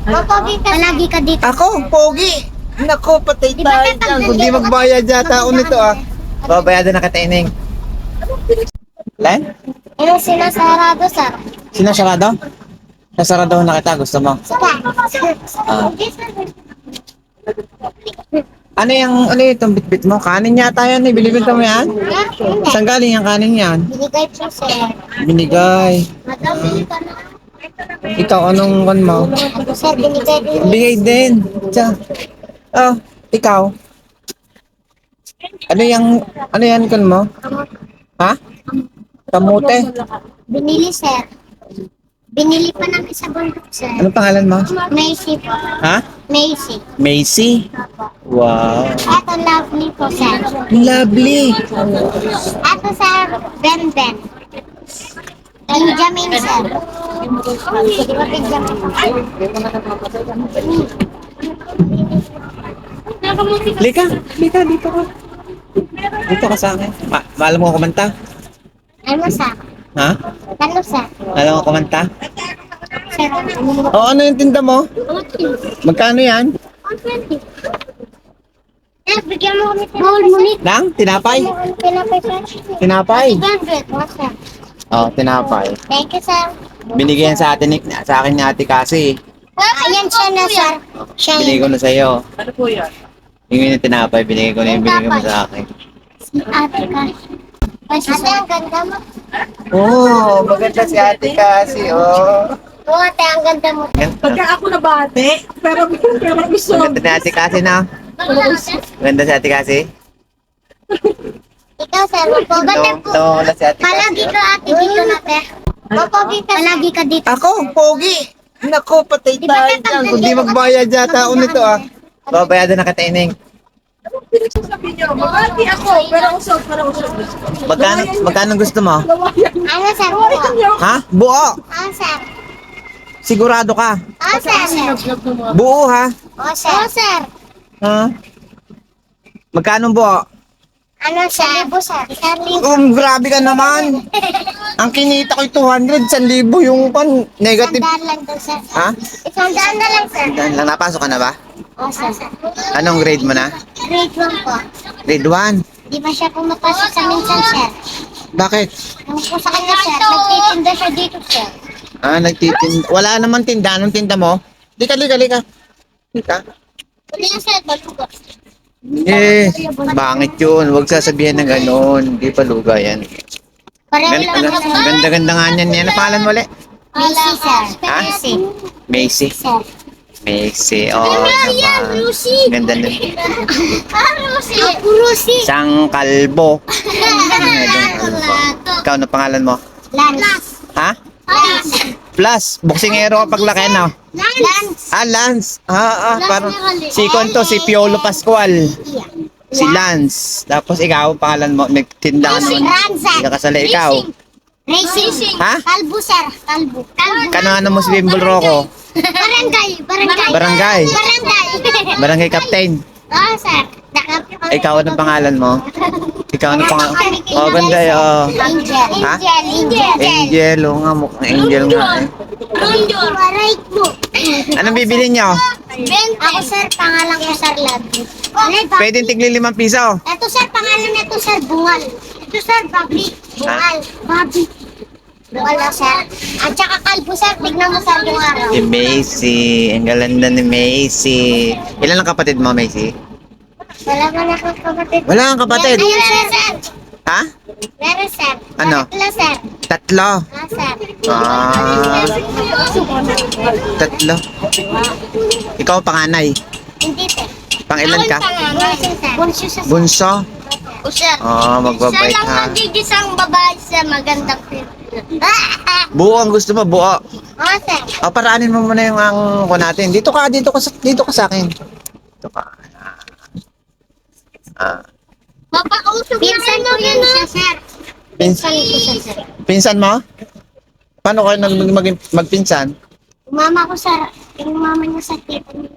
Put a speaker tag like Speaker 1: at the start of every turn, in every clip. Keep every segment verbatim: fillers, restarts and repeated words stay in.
Speaker 1: Pogi ka. Palagi ka dito.
Speaker 2: Ako, pogi. Naku, patay
Speaker 1: Di ba
Speaker 2: tayo
Speaker 1: tatang
Speaker 2: dyan. Kung di
Speaker 1: dito?
Speaker 2: magbayad yata ako nito ah. Babayadan na kita, Ineng. Lan?
Speaker 1: Ano sinasarado, sir?
Speaker 2: Sinasarado? Sasarado na kita, gusto mo? Ah. Ano yung, ano itong bitbit mo? Kanin yata yan eh. Binibenta mo yan? Saan galing yung kanin yan?
Speaker 1: Binigay po, sir.
Speaker 2: Binigay.
Speaker 1: Madami ka na.
Speaker 2: Ikaw, anong kan mo?
Speaker 1: Ako, sir, binigay din.
Speaker 2: Bigay din. Tiyan. Oh, ikaw. Ano yung, ano yan kan mo? Ha? Kamote.
Speaker 1: Binili, sir. Binili pa namin sa bundok, sir.
Speaker 2: Anong pangalan mo?
Speaker 1: Macy po.
Speaker 2: Ha?
Speaker 1: Macy.
Speaker 2: Macy. Wow.
Speaker 1: Ito, lovely po, sir.
Speaker 2: Lovely.
Speaker 1: Ito, sir, Ben Ben. Benjamin, sir. Di ba Benjamin?
Speaker 2: Lika, lika, dito ka. Dito ka sa akin. Ma maalam mo kumanta?
Speaker 1: Ano, sir?
Speaker 2: Ha?
Speaker 1: Ano, sir?
Speaker 2: Alam mo kumanta?
Speaker 1: Sir,
Speaker 2: O, ano yung tinda mo? Magkano yan?
Speaker 1: one twenty. Eh, bigyan mo kami Bawal mo nito.
Speaker 2: Lang? Tinapay?
Speaker 1: Tinapay, sir.
Speaker 2: Tinapay?
Speaker 1: one hundred. Oh, sir.
Speaker 2: Oh, tinapay.
Speaker 1: Thank you, sir.
Speaker 2: Binigyan sa atin ni, sa akin ni ate kasi.
Speaker 1: Ayan siya na, sir. Siya
Speaker 2: Binigay ko
Speaker 1: yun.
Speaker 2: na sa iyo. Ano po yan? Yung yung tinapay, binigay ko na yung binigay mo sa akin.
Speaker 1: Si ate ka. Kasi ang ganda mo.
Speaker 2: Oh, maganda si ate kasi, oh.
Speaker 1: Oo, ate, ang ganda mo.
Speaker 3: Pagka ako nabate, pero pero gusto.
Speaker 2: Maganda ni ate kasi na. Maganda si ate kasi.
Speaker 1: Ikaw, sir. Magpaganda po.
Speaker 2: No, wala si ate kasi.
Speaker 1: Palagi ka, ate, dito na, te. Pogi ka. Palagi ka dito.
Speaker 2: Ako, pogi. Naku, patay
Speaker 1: Di ba
Speaker 2: tayo
Speaker 1: tatang
Speaker 2: dyan. Kung di
Speaker 1: dito?
Speaker 2: magbayad yata ako nito ah. Babayadan na kita, Ineng.
Speaker 3: Pinagsasabi niyo, mabati ako, pero usog, pero usog.
Speaker 2: Magkano, magkano gusto mo?
Speaker 1: Ano, sir? Oo.
Speaker 2: Ha? Buo.
Speaker 1: Oo, sir.
Speaker 2: Sigurado ka.
Speaker 1: Oo, sir.
Speaker 2: Buo ha?
Speaker 1: Oo, sir. Oo, sir.
Speaker 2: Ha? Magkano buo?
Speaker 1: Ano, sir? Libo, sir. Sir, libo.
Speaker 2: Um, grabe ka naman. Ang kinita ko two hundred, one thousand yung pan negative.
Speaker 1: Isang daan lang daw, sir.
Speaker 2: Ha?
Speaker 1: Isang daan na lang, sir.
Speaker 2: Dan lang, napasok ka na ba?
Speaker 1: Oo, sir.
Speaker 2: Anong grade mo na?
Speaker 1: Grade one po.
Speaker 2: Grade one.
Speaker 1: Di ba siya pumapasok sa minsan, sir?
Speaker 2: Bakit?
Speaker 1: Ano po sa kanya, sir? Nagtitinda siya dito, sir.
Speaker 2: Ah, nagtitinda. Wala naman tinda. Anong tinda mo? Lika, lika, lika. Lika.
Speaker 1: Uli yan, sir. Baluga.
Speaker 2: Eh, bangit yun. Huwag sasabihin ng ganon. Di pa luga yan.
Speaker 1: Pareho
Speaker 2: Ganda,
Speaker 1: lang
Speaker 2: ganda,
Speaker 1: naman.
Speaker 2: ganda nga niyan. Yan ang pangalan mo ulit?
Speaker 1: Macy, sir.
Speaker 2: Ha?
Speaker 1: Macy.
Speaker 2: Macy.
Speaker 1: Sir.
Speaker 2: Macy. Oh, naman.
Speaker 1: Lucy.
Speaker 2: Ganda nun.
Speaker 1: Ah, Lucy. Ako, Lucy.
Speaker 2: Isang kalbo. Ikaw, ano pangalan mo?
Speaker 1: Lance.
Speaker 2: Ha?
Speaker 1: Lance.
Speaker 2: Plus, boksingero kapag laki na.
Speaker 1: Lance.
Speaker 2: Ah, Lance. Ah, ah, parang si Konto, si Piolo Pascual. Si Lance. Tapos ikaw, pangalan mo, nagtinda ka noon.
Speaker 1: Ranzan.
Speaker 2: Hindi ka kasali. Ikaw.
Speaker 1: Racing.
Speaker 2: Ha?
Speaker 1: Kalbo, sir. Kalbo. Kalbo.
Speaker 2: Kano-ano mo si Bimbol Rocco?
Speaker 1: Barangay. Barangay.
Speaker 2: Barangay.
Speaker 1: Barangay.
Speaker 2: Barangay Captain.
Speaker 1: Oo, sir. Nakap-
Speaker 2: Ikaw, anong pangalan mo? Ikaw, anong pangalan? Oh, ganda yun.
Speaker 1: Angel.
Speaker 2: Ha?
Speaker 1: Angel. Angel.
Speaker 2: Angel, oo nga, mukhang angel nga eh.
Speaker 1: Angel. Right mo.
Speaker 2: Anong bibili nyo?
Speaker 1: Ako, sir. Pangalan ko, sir, Labi.
Speaker 2: Pwede tigli limang piso.
Speaker 1: Ito, sir. Pangalan nito, sir, Bungal. Ito, sir, Bobby. Bungal. Bobby. Wala, sir. At saka kalbo, sir. Tignan mo, sir, yung araw.
Speaker 2: Si Macy. Ang galanda ni Macy. Ilan ang kapatid mo, Macy?
Speaker 1: Wala man akong kapatid.
Speaker 2: Wala kang kapatid.
Speaker 1: Ayun, sir, sir.
Speaker 2: Ha?
Speaker 1: Meron, sir.
Speaker 2: Ano?
Speaker 1: Tatlo, sir.
Speaker 2: Tatlo.
Speaker 1: Ah, sir.
Speaker 2: Ah, tatlo. Ikaw panganay.
Speaker 1: Hindi, sir.
Speaker 2: Pang ilan ka?
Speaker 1: Bunso, sir. Bunso, sir.
Speaker 2: Bunso.
Speaker 1: O, sir.
Speaker 2: Oh, magbabait
Speaker 1: Siya lang
Speaker 2: ha.
Speaker 1: magigisang babae sa magandang film. Ah!
Speaker 2: Buo ang gusto mo, buo.
Speaker 1: Oo, sir.
Speaker 2: O, paraanin mo muna yung ang ko natin. Dito ka, dito ka, sa- dito ka sa akin. Dito ka. Ah.
Speaker 1: Mapakausap Pinsan ko yan, siya, sir.
Speaker 2: Pins
Speaker 1: Pinsan ko siya, sir.
Speaker 2: pinsan mo? Paano kayo nag mag magpinsan?
Speaker 1: Mama ko, sir. Yung mama niya sa tita niya.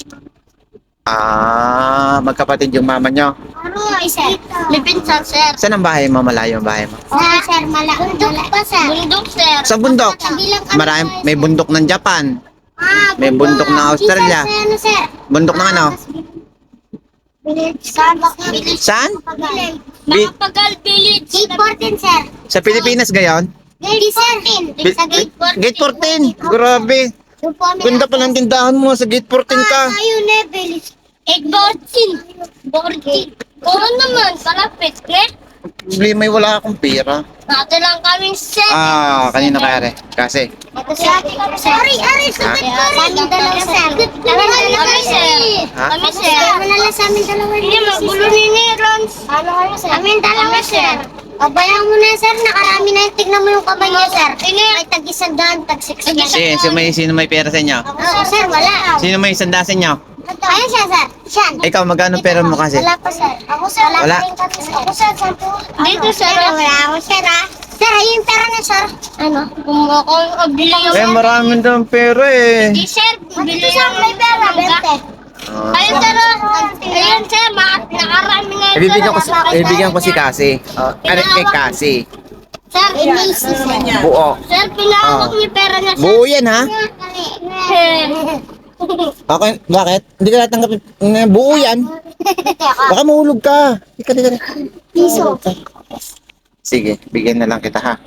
Speaker 2: Ah, magkapatid yung mama nyo.
Speaker 1: Ano, sir? May pinsan, sir.
Speaker 2: Saan ang bahay mo? Malayo ang bahay mo?
Speaker 1: Sa, sir, mala. Bundok pa, sir. Bundok, sir.
Speaker 2: Sa bundok.
Speaker 1: Kabilang kami,
Speaker 2: Marami, may bundok ng Japan.
Speaker 1: Ah,
Speaker 2: May bundok ng Australia.
Speaker 1: Sir, ano, sir?
Speaker 2: Bundok ng ano?
Speaker 1: Village. Saan? Village.
Speaker 2: Saan?
Speaker 1: Village.
Speaker 2: Bi-
Speaker 1: Makapagal Village. Gate fourteen, sir.
Speaker 2: sa Pilipinas gayon?
Speaker 1: Gate fourteen.
Speaker 2: Bi-
Speaker 1: Sa gate fourteen.
Speaker 2: Gate fourteen. Grabe.
Speaker 1: Doon po kami
Speaker 2: Ganda pa ng tindahan mo sa Gate fourteen ka.
Speaker 1: Ah, ayun eh, Village. Gate fourteen. fourteen. Oo naman, palapit, ne?
Speaker 2: Problema ay wala akong pera.
Speaker 1: Dati lang kaming set.
Speaker 2: Ah, kanina kaya Kasi.
Speaker 1: Ito sir. Sorry, Ari, sagot ko rin. Kami dalawa, sir. Kami dalawa, sir.
Speaker 2: Ha?
Speaker 1: Kami, sir. Kami dalawa sa amin dalawa. Hindi, magulo ni Nerons. Ano kayo, sir? Kami dalawa, sir. Pabayaan mo na, sir. Nakarami na yung tignan mo yung kamay niya, sir. May tag-isandaan, tag-sixteen.
Speaker 2: Si, sino may, sino may pera sa inyo?
Speaker 1: Oo, sir, wala.
Speaker 2: Sino may sanda sa inyo?
Speaker 1: Ayun siya, sir. Siya.
Speaker 2: Ikaw, magkano pera mo kasi?
Speaker 1: Wala pa, sir. Ako, sir.
Speaker 2: Wala.
Speaker 1: pa rin kami, sir. Ako, sir. Sampo. Dito, sir. Wala ako, sir, ah. Sir, ayun yung pera niya, sir. Ano? Kung ako, bili yung...
Speaker 2: Eh, maraming daw pera eh.
Speaker 1: Di, sir. Bili yung... may pera, bente.
Speaker 2: Ah.
Speaker 1: Ayun, sir. oh. Ayun, sir. ma- Nakarami na yun,
Speaker 2: Ibibigyan ko,
Speaker 1: sir.
Speaker 2: si- ibibigyan ko si Kasi. Oh, ano kay Kasi?
Speaker 1: Sir, Macy, sir.
Speaker 2: Buo.
Speaker 1: Sir, pinahawak
Speaker 2: Ah.
Speaker 1: niyo pera niya, sir.
Speaker 2: Buo yan ha?
Speaker 1: Sir.
Speaker 2: Okay, bakit? Hindi ka natanggapin. Mm, Buo yan. Baka mahulog ka. Ika, ika, ika.
Speaker 1: Piso.
Speaker 2: Sige, bigyan na lang kita ha.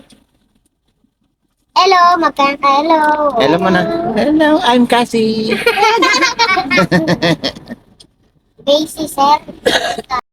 Speaker 1: Hello, magkano ka? Hello.
Speaker 2: Hello mo na. Hello, I'm Kasi.
Speaker 1: Macy, sir.